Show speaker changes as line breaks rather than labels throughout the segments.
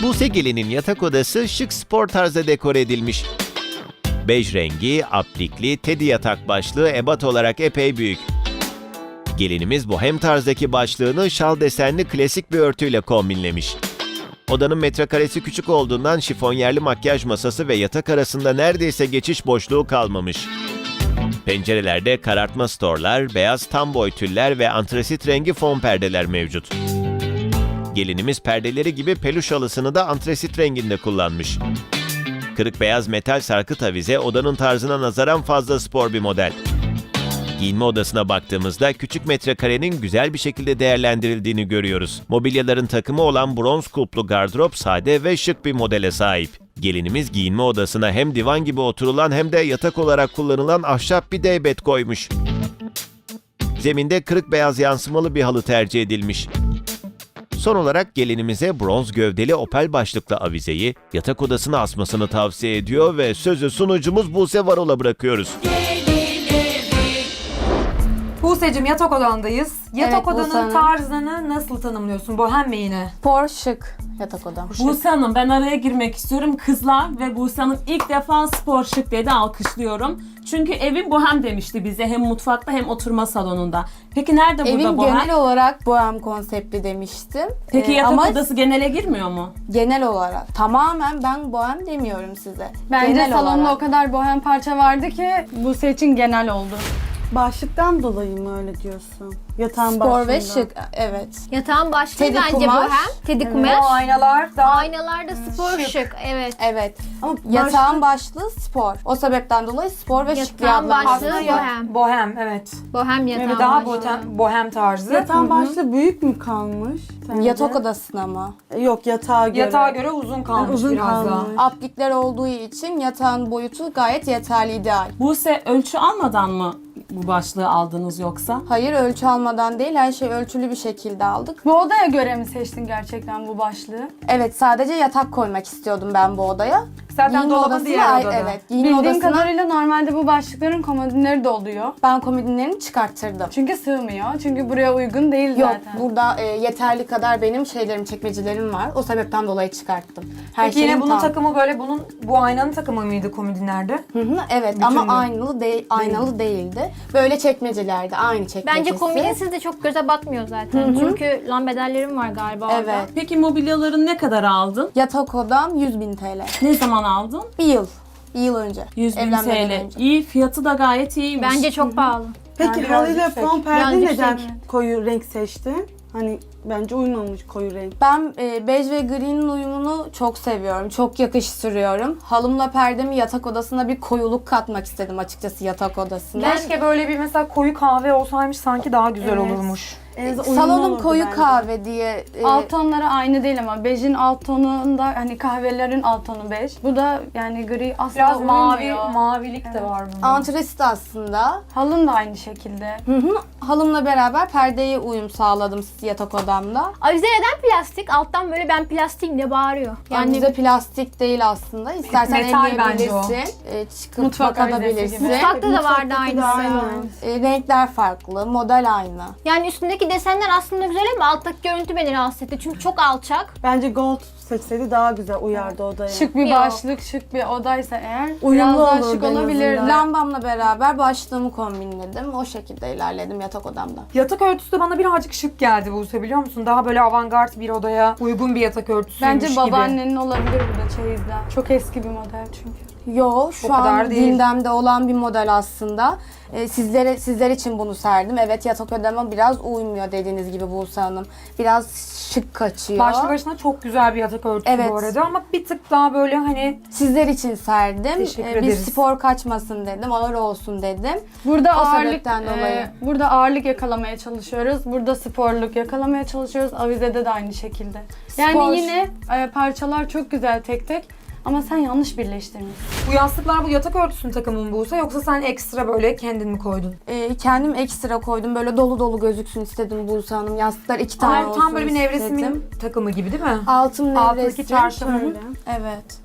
Buse Gelin'in yatak odası şık spor tarzda dekore edilmiş. Bej rengi, aplikli, tedi yatak başlığı ebat olarak epey büyük. Gelinimiz bohem tarzdaki başlığını şal desenli klasik bir örtüyle kombinlemiş. Odanın metrekaresi küçük olduğundan şifonyerli makyaj masası ve yatak arasında neredeyse geçiş boşluğu kalmamış. Pencerelerde karartma storlar, beyaz tam boy tüller ve antrasit rengi fon perdeler mevcut. Gelinimiz perdeleri gibi peluş halısını da antrasit renginde kullanmış. Kırık beyaz metal sarkıt avize odanın tarzına nazaran fazla spor bir model. Giyinme odasına baktığımızda küçük metrekarenin güzel bir şekilde değerlendirildiğini görüyoruz. Mobilyaların takımı olan bronz kulplu gardırop sade ve şık bir modele sahip. Gelinimiz giyinme odasına hem divan gibi oturulan hem de yatak olarak kullanılan ahşap bir deybet koymuş. Zeminde kırık beyaz yansımalı bir halı tercih edilmiş. Son olarak gelinimize bronz gövdeli opel başlıklı avizeyi yatak odasına asmasını tavsiye ediyor ve sözü sunucumuz Buse Varol'a bırakıyoruz.
Buse'cim yatak odandayız. Yatak
Evet, Buse
odanın
Hanım.
tarzını nasıl tanımlıyorsun? Bohem mi yine?
Spor şık yatak odam.
Buse Hanım, ben araya girmek istiyorum. Kızlar ve Buse Hanım ilk defa spor şık dedi, alkışlıyorum. Çünkü evim bohem demişti bize, hem mutfakta hem oturma salonunda. Peki nerede burada
Evim
bohem?
genel olarak bohem konseptli demiştim.
Peki yatak
ama
odası genele girmiyor mu?
genel olarak tamamen ben bohem demiyorum size.
Bence
Genel
salonda
olarak.
o kadar bohem parça vardı ki Buse için genel oldu.
Başlıktan dolayı mı öyle diyorsun? Yatağın
Spor
başlığında.
ve şık, evet.
Yatağın başlığı
Tedi
bence
kumaş.
bohem. Tedi
O
kumaş.
aynalar da
Aynalarda spor şık. Evet.
Evet.
Ama
Yatağın başlığı spor. O sebepten dolayı spor ve şık diye
Yatağın başlığı
adlandırılıyor.
bohem.
bohem, evet.
Bohem yatağın
Evet, daha
başlığı.
bohem tarzı.
Yatağın başlığı büyük mü kalmış? sence?
Yatak odasına mı?
Yok, yatağa göre.
Yatağa göre uzun kalmış
Uzun
biraz
kalmış.
daha.
Aplikler olduğu için yatağın boyutu gayet yeterli, ideal.
Buse, ölçü almadan mı bu başlığı aldınız yoksa?
Hayır, ölçü almadan değil, her şey ölçülü bir şekilde aldık.
Bu odaya göre mi seçtin gerçekten bu başlığı?
Evet, sadece yatak koymak istiyordum ben bu odaya.
Zaten
Giyinme
dolabın
odasına
diğer odada.
Evet, giyinme
Bildiğim
odasına
kadarıyla normalde bu başlıkların komodinleri de oluyor.
ben komodinlerini çıkarttırdım.
Çünkü sığmıyor. Çünkü buraya uygun değil
Yok,
zaten.
burada yeterli kadar benim şeylerim, çekmecelerim var. O sebepten dolayı çıkarttım. Her
Peki yine
şeyim
bunun
tam.
takımı böyle bu aynanın takımı mıydı komodinlerde?
Hı hı, evet,
Bütün
ama
mü?
aynalı değildi. Böyle çekmecelerde, aynı çekmecesi.
Bence kombinsiz de çok göze batmıyor zaten. Çünkü lambaderlerim var galiba orada.
Evet.
Peki mobilyaların ne kadar aldın?
Yatak odam 100.000 TL.
Ne zaman aldın?
Bir yıl. Bir yıl önce.
100.000
Evlenmeden
TL.
önce.
İyi, fiyatı da gayet iyiymiş.
Bence çok pahalı.
Peki
Yani
halıyla
biraz yüksek.
fon perde
Biraz
neden
yüksek.
koyu renk seçtin? Hani bence uymamış koyu renk.
Ben bej ve gri'nin uyumunu çok seviyorum. Çok yakıştırıyorum. Halımla perdemi yatak odasına bir koyuluk katmak istedim açıkçası yatak odasına.
Keşke böyle bir mesela koyu kahve olsaymış, sanki daha güzel olurmuş.
En azından uyumlu
Salonum
olurdu
koyu
bence.
kahve diye
Alt tonları aynı değil ama bejin alt tonunda hani kahvelerin alt tonu bej. Bu da yani gri asla
Biraz
uymuyor.
mavilik de var bunda.
antresit aslında.
Halın da aynı şekilde.
Hı hı. Halımla beraber perdeye uyum sağladım yatak odamda.
Avize neden plastik? Alttan böyle ben plastiğim diye bağırıyor.
Yani bize plastik değil aslında. İstersen
Metal bence
elleyebilirsin. Çıkıp
Mutfak avizesi
bakabilirsin.
gibi.
Mutfakta da vardı
Mutfaktaki de
aynısı.
Renkler farklı, model aynı.
Yani üstündeki desenler aslında güzel ama alttaki görüntü beni rahatsız etti. Çünkü çok alçak.
Bence gold seçseydi daha güzel uyardı odaya.
Şık bir
Yok.
başlık, şık bir odaysa eğer
Uyumlu
biraz daha
olurdu
şık
en
olabilir.
azından.
Lambamla beraber başlığımı kombinledim. O şekilde ilerledim yatak odamda.
Yatak örtüsü de bana birazcık şık geldi Buse, biliyor musun? Daha böyle avantgard bir odaya uygun bir yatak örtüsüymüş
Bence
gibi.
babaannenin olabilir bu da çeyizden. Çok eski bir model çünkü.
Yo, şu
O kadar
an
değil.
gündemde olan bir model aslında. Sizler için bunu serdim. Evet, yatak odama biraz uymuyor dediğiniz gibi Buse Hanım. Biraz şık kaçıyor.
Başlı başına çok güzel bir yatak örtüsü
Evet.
bu arada, ama bir tık daha böyle hani
Sizler için serdim.
Teşekkür
Bir
ederiz.
spor kaçmasın dedim, ağır olsun dedim.
Burada
O
ağırlık
sebepten dolayı.
burada ağırlık yakalamaya çalışıyoruz. Burada sporluk yakalamaya çalışıyoruz. Avizede de aynı şekilde. Yani
Spor.
yine parçalar çok güzel tek tek ama sen yanlış birleştirmişsin.
bu yastıklar bu yatak örtüsünün takımı mı Buse, yoksa sen ekstra böyle kendin mi koydun?
Kendim ekstra koydum. Böyle dolu dolu gözüksün istedim Buse Hanım. Yastıklar 2 tane
Ama
olsun
tam böyle bir
istedim.
nevresimin takımı gibi değil mi?
Altım
Altındaki
nevresim.
çarşaf
Hı hı.
öyle.
Evet.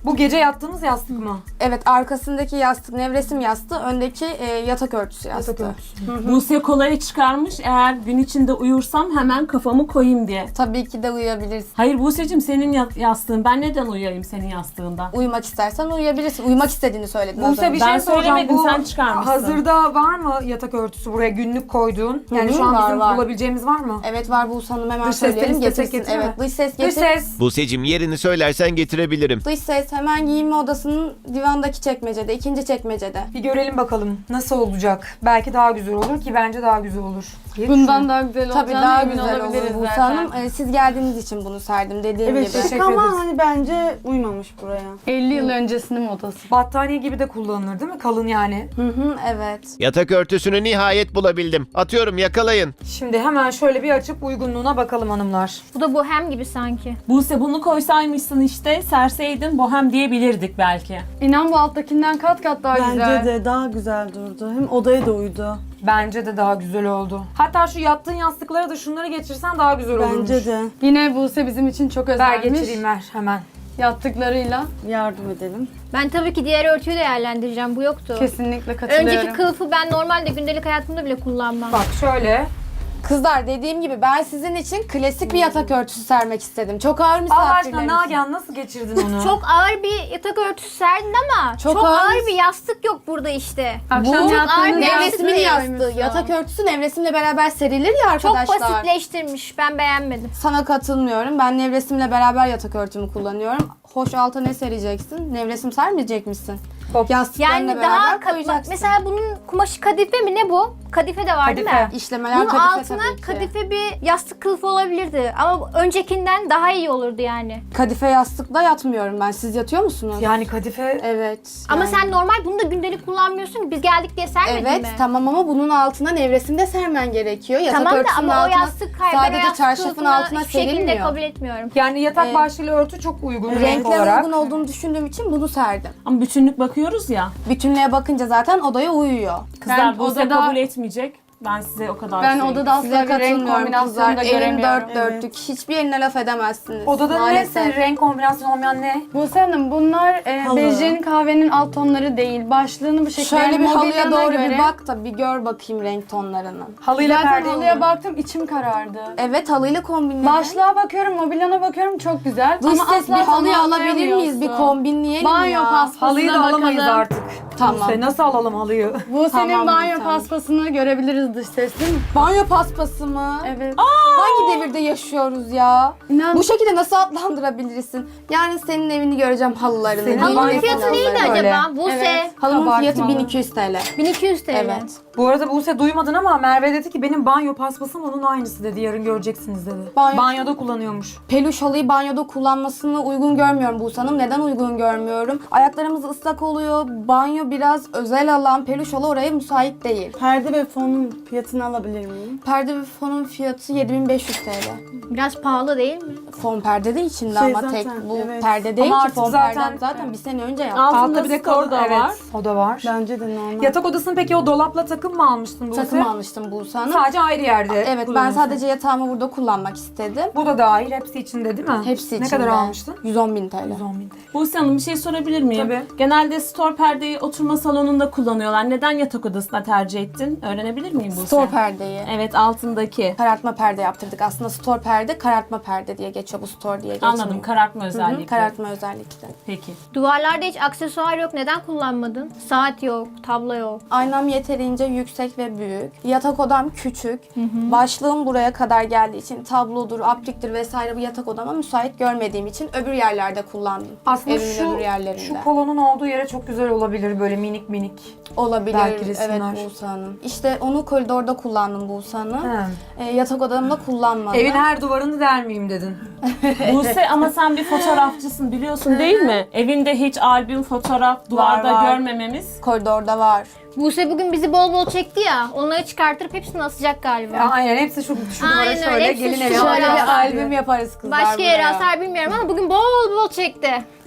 Bu gece yattığınız yastık mı?
Evet, arkasındaki yastık nevresim yastığı, öndeki yatak örtüsü yastığı.
Yatak örtüsü.
Buse kolayı çıkarmış. Eğer gün içinde uyursam hemen kafamı koyayım diye.
Tabii ki de uyuyabilirsin.
Hayır Buse'cim senin yastığın. Ben neden uyuyayım senin yastığında?
Uyumak istersen uyuyabilirsin. Uyumak istediğini söyledin az
Buse
önce.
bir
Ben
şey soracağım.
söylemedim,
Bu
sen çıkarmışsın.
hazırda var mı yatak örtüsü buraya günlük koyduğun? Yani
Hı hı,
şu an
var,
bizim
var.
bulabileceğimiz var mı?
Evet var, Buse Hanım, hemen
Dış sesten
söyleyelim
istesek
getirsin.
getirir mi?
Evet, dış ses
Dış
getir.
ses.
Buse'cim yerini söylersen getirebilirim.
Dış ses hemen giyinme odasının divandaki çekmecede, ikinci çekmecede.
Bir görelim bakalım nasıl olacak. Belki daha güzel olur ki bence daha güzel olur. diye
Bundan
düşünüyorum.
daha güzel olacağına
Tabii daha
emin
güzel olur
olabiliriz
Buse
zaten.
Hanım. Siz geldiğiniz için bunu serdim dediğim
Evet
gibi.
şık
Teşekkür
ama
ederiz.
hani bence uymamış buraya.
50 yıl öncesinin modası.
Battaniye gibi de kullanılır değil mi? Kalın yani.
Hı hı, evet.
Yatak örtüsünü nihayet bulabildim. Atıyorum, yakalayın.
Şimdi hemen şöyle bir açıp uygunluğuna bakalım hanımlar.
Bu da bohem gibi sanki.
Buse bunu koysaymışsın işte, serseydin bohem diyebilirdik belki.
İnan bu alttakinden kat kat daha
Bence
güzel.
de daha güzel durdu. Hem odaya da uydu.
Bence de daha güzel oldu. Hatta şu yattığın yastıklara da şunları geçirsen daha güzel olurmuş.
Bence de.
Yine Buse bizim için çok
Ver
özelmiş.
geçireyim ver hemen.
Yattıklarıyla
Yardım edelim.
Ben tabii ki diğer örtüyü değerlendireceğim. Bu yoktu.
kesinlikle katılıyorum.
Önceki kılıfı ben normalde gündelik hayatımda bile kullanmam.
Bak şöyle.
Kızlar, dediğim gibi ben sizin için klasik bir yatak örtüsü sermek istedim. Çok ağır
Allah aşkına
misafirleriniz.
Nagihan nasıl geçirdin onu?
Çok ağır bir yatak örtüsü serdin ama
Çok
çok,
ağır.
ağır bir yastık yok burada işte.
Akşam
Bu
ağır
yattığınız
bir
Nevresimin
yastık
yastığı.
koymuşsun.
Yatak örtüsü nevresimle beraber serilir ya
Çok
arkadaşlar.
basitleştirmiş. Ben beğenmedim.
Sana katılmıyorum. Ben nevresimle beraber yatak örtümü kullanıyorum. Hoş, alta ne sereceksin? Nevresim sermeyecek misin?
Hop.
Yastıklarla
Yani
beraber
daha
koyacaksın.
mesela bunun kumaşı kadife mi ne bu? Kadife de var değil
Kadife.
mi?
İşlemeler
Bunun
kadife
altına
tabii ki.
kadife bir yastık kılıfı olabilirdi. Ama öncekinden daha iyi olurdu yani.
Kadife yastıkla yatmıyorum ben. Siz yatıyor musunuz?
Yani kadife
Evet.
Ama
yani.
sen normal bunu da gündelik kullanmıyorsun. Biz geldik diye sermedin
Evet
mi?
tamam ama bunun altına nevresim de sermen gerekiyor. Yatak
Tamam da
örtüsünün
ama o
altına
yastık hayır. Ben o
sadece
yastık
çarşafın
kılıfını
altına
hiçbir şekilde
serilmiyor.
kabul etmiyorum.
yani yatak
Ee,
başlığı örtü çok uygun renk
Renkler
olarak.
uygun olduğunu düşündüğüm için bunu serdim.
Ama bütünlük bakıyoruz ya.
Bütünlüğe bakınca zaten odaya uyuyor.
Kızlar
Ben
Buse
odada-
kabul etmeyecek. Ben size o kadar
Ben
söyleyeyim.
odada
Size
asla bir renk
katılmıyorum
kombinasyonu
kızlar.
da
Elim
göremiyorum.
dört dörtlük. Hiçbir yerine laf edemezsiniz.
Odada ne
Maalesef.
senin renk kombinasyonu olmayan ne?
Buse Hanım bunlar
Halı.
bejin kahvenin alt tonları değil. Başlığını bu şekilde
Şöyle bir halıya
mobilyana
doğru
göre.
bir bak da bir gör bakayım renk tonlarını.
Halıyla
Zaten
perde
halıya
olur.
baktım içim karardı.
Evet, halıyla kombinledim.
Başlığa bakıyorum, mobilyana bakıyorum çok güzel.
Dış
ama
ses
asla
bir halıyı alabilir miyiz? Bir
tamamlayamıyorsun.
kombinleyelim
Banyo
ya.
paspasına
Halıyı da alamayız
bakalım.
artık.
Tamam.
Buse, nasıl alalım halıyı?
Bu senin
Tamam,
banyo
tamam.
paspasını görebiliriz dış ses değil mi?
Banyo paspası mı?
Evet.
Hangi devirde yaşıyoruz ya?
İnan
Bu şekilde nasıl adlandırabilirsin? Yani senin evini göreceğim, halılarını.
Senin
yeni
banyo
nesil
Fiyatı neydi
halılarını.
Öyle.
acaba? Buse.
Evet.
Halımın fiyatı
Kabartmalı.
1200 TL.
1200 TL.
Evet.
Bu arada Buse duymadın ama Merve dedi ki benim banyo paspasım onun aynısı dedi. Yarın göreceksiniz dedi. Banyoda kullanıyormuş.
Peluş halıyı banyoda kullanmasını uygun görmüyorum Buse Hanım. Neden uygun görmüyorum? Ayaklarımız ıslak oluyor. Banyo biraz özel alan. Peluş halı oraya müsait değil.
Perde ve fonun fiyatını alabilir miyim?
Perde ve fonun fiyatı 7500 TL.
Biraz pahalı değil mi?
Fon perde de içinde
Şey
ama
zaten,
tek bu
evet.
perde değil
Ama
ki.
artık
Fon
zaten-
perde zaten bir sene önce yaptım.
Altında
bir de
skor da
evet,
var.
o da var.
Bence de normal.
Yatak odasını peki o dolapla takım mı almıştın Buse?
Takım almıştım Buse Hanım.
Sadece ayrı yerde.
Evet, ben
kullanıyorsun.
sadece yatağımı burada kullanmak istedim.
Bu da dahil hepsi içinde değil mi?
Hepsi
Ne
içinde.
kadar almıştın?
110.000 TL.
110.000 TL.
Buse Hanım bir şey sorabilir miyim?
Tabii.
Genelde store perdeyi oturma salonunda kullanıyorlar. Neden yatak odasına tercih ettin? Öğrenebilir miyim Buse?
Store perdeyi.
Evet, altındaki.
Karartma perde yaptırdık. Aslında store perde, karartma perde diye geçiyor. Bu store diye geçmiyor.
Anladım, karartma
Hı hı,
özellikle.
karartma özellikle.
Peki.
Duvarlarda hiç aksesuar yok. Neden kullanmadın? Saat yok, tablo yok.
Aynam yeterince yüksek ve büyük. Yatak odam küçük. Başlığım buraya kadar geldiği için tablodur, apliktir vesaire bu yatak odama müsait görmediğim için öbür yerlerde kullandım.
Aslında
Evimin öbür yerlerinde.
şu kolonun olduğu yere çok güzel olabilir böyle minik minik.
Olabilir.
Belki resimler.
Evet Buse Hanım. İşte onu koridorda kullandım Buse Hanım.
He.
Yatak odamda kullanmadım.
Evin her duvarını delmeyeyim dedin.
Buse ama sen bir fotoğrafçısın biliyorsun değil mi? Evinde hiç albüm, fotoğraf, duvarda
var.
görmememiz.
Koridorda var.
Buse bugün bizi bol bol çekti ya. Onları çıkartırıp hepsini asacak galiba.
Aynen hepsi şu duvara
Aynen öyle,
şöyle
hepsi
gelin
şu
evi.
duvara.
Şöyle bir
Var.
albüm yaparız kızlar
Başka
buraya.
yere asar bilmiyorum ama bugün bol bol çekti.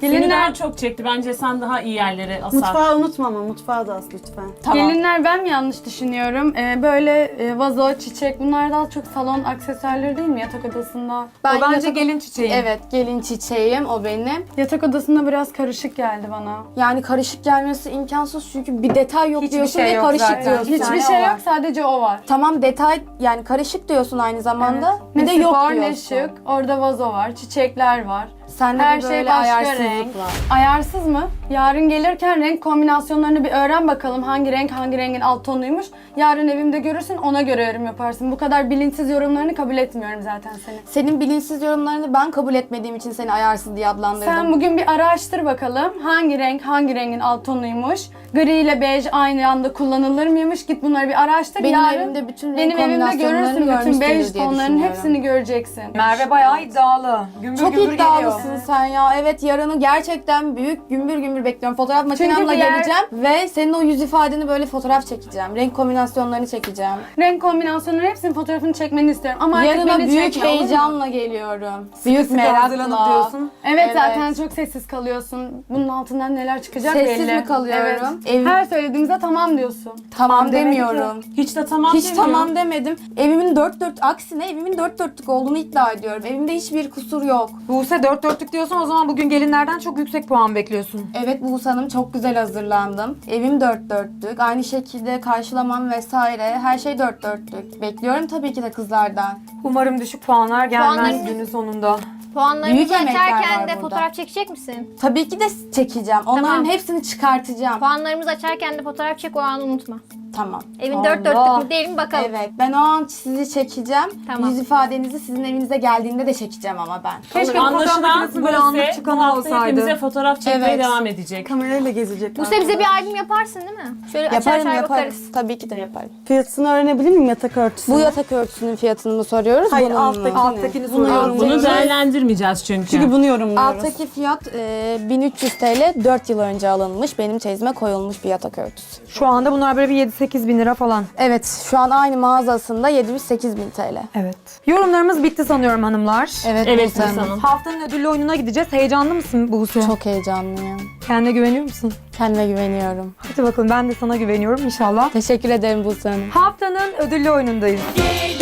Seni
Gelinler,
daha çok çekti. Bence sen daha iyi yerlere asar.
Mutfağı unutma ama mutfağı da as lütfen.
gelinler ben mi yanlış düşünüyorum? Böyle vazo, çiçek bunlar daha çok salon aksesuarları değil mi yatak odasında?
Ben
O bence
yatak-
gelin çiçeği.
Evet, gelin çiçeğim o benim.
Yatak odasında biraz karışık geldi bana.
Yani karışık gelmesi imkansız çünkü bir detay yok
Hiçbir
diyorsun
şey
ve
yok
karışık
zaten.
diyorsun.
Hiçbir
tane
şey
o var.
yok, sadece o var.
Tamam detay yani karışık diyorsun aynı zamanda.
Ne
Bir de yok
spor, ne
diyorsun.
şık. Orada vazo var, çiçekler var.
Sende
Her
bir
şey
böyle
başka
ayarsızlık
renk.
var.
Ayarsız mı? Yarın gelirken renk kombinasyonlarını bir öğren bakalım. Hangi renk hangi rengin alt tonuymuş. Yarın evimde görürsün, ona göre yorum yaparsın. Bu kadar bilinçsiz yorumlarını kabul etmiyorum zaten seni.
Senin bilinçsiz yorumlarını ben kabul etmediğim için seni ayarsız diye adlandırdım.
Sen bugün bir araştır bakalım. Hangi renk hangi rengin alt tonuymuş. Gri ile bej aynı anda kullanılır mıymış? Git bunları bir araştır.
benim
Yarın
evimde bütün renk
benim evimde
kombinasyonlarını
görürsün. Bütün
görmüşsündür
bej
diye
tonlarının
düşünüyorum.
hepsini göreceksin.
Merve bayağı iddialı. Gümbür
Çok
gümbür
iddialısın
geliyor.
sen ya. Evet yarını gerçekten büyük gümbür gümbür bekliyorum. Fotoğraf makinemle
diğer-
geleceğim ve senin o yüz ifadeni böyle fotoğraf çekeceğim. Renk kombinasyonlarını çekeceğim.
Renk kombinasyonları hepsinin fotoğrafını çekmeni istiyorum. Ama artık
Yarına
beni
büyük
çekme, olur mu?
heyecanla geliyorum. Büyük
Sıkı hazırlanıp
merakla.
diyorsun.
Evet,
Evet.
zaten çok sessiz kalıyorsun. Bunun altından neler çıkacak
Sessiz
belli.
mi kalıyorum?
Evet.
Ev-
Her söylediğimizde tamam diyorsun.
Tamam
demedik
demiyorum.
Hiç de tamam
Hiç
demiyorum.
tamam demedim. Evimin aksine evimin dört dörtlük olduğunu iddia ediyorum. Evimde hiçbir kusur yok.
Buse 4-4'lük diyorsan o zaman bugün gelinlerden çok yüksek puan bekliyorsun.
Evet Buse Hanım çok güzel hazırlandım. Evim dört dörtlük. Aynı şekilde karşılamam vesaire. Her şey dört dörtlük. Bekliyorum tabii ki de kızlardan.
Umarım düşük puanlar gelmez
Puanlarınız-
günün sonunda.
Puanlarımızı
Büyük emekler
açarken
var
de
burada.
fotoğraf çekecek misin?
Tabii ki de çekeceğim. Onların
Tamam.
hepsini çıkartacağım.
Puanlarımızı açarken de fotoğraf çek, o anı unutma.
Tamam.
Evin dört dörtlük mü değil mi bakalım.
Evet. Ben o an sizi çekeceğim.
Tamam.
Yüz ifadenizi sizin evinize geldiğinde de çekeceğim ama ben.
Keşke fotoğraf
Anlaşılan
makinesinin böyle anlık
Buse bu
çıkanı
hafta
olsaydı.
hepimize fotoğraf çekmeye
Evet.
devam edecek.
Kamerayla gezecek.
Buse bize bir albüm yaparsın değil mi? Şöyle açar
Yaparım
açar
yaparım.
bakarız.
Tabii ki de yaparım.
Fiyatını öğrenebilir miyim yatak örtüsünün?
Bu yatak örtüsünün fiyatını mı soruyoruz?
Hayır
bunun mu?
alttakini
soruyorum.
yorumluyorum.
Bunu değerlendirmeyeceğiz çünkü.
Çünkü bunu yorumluyoruz.
Alttaki fiyat 1300 TL 4 yıl önce alınmış. Benim çeyizime koyulmuş bir yatak örtüsü.
Şu anda bunlar böyle bir 7-8 bin lira falan.
Evet şu an aynı mağazasında 708.000 TL.
Evet. Yorumlarımız bitti sanıyorum hanımlar.
Evet,
Evet
Buse Hanım.
Buse Hanım.
Haftanın ödüllü oyununa gideceğiz. Heyecanlı mısın Buse?
Çok heyecanlıyım.
Kendine güveniyor musun?
Kendime güveniyorum.
Hadi bakalım, ben de sana güveniyorum inşallah.
Teşekkür ederim Buse Hanım.
Haftanın ödüllü oyunundayız.
Gelin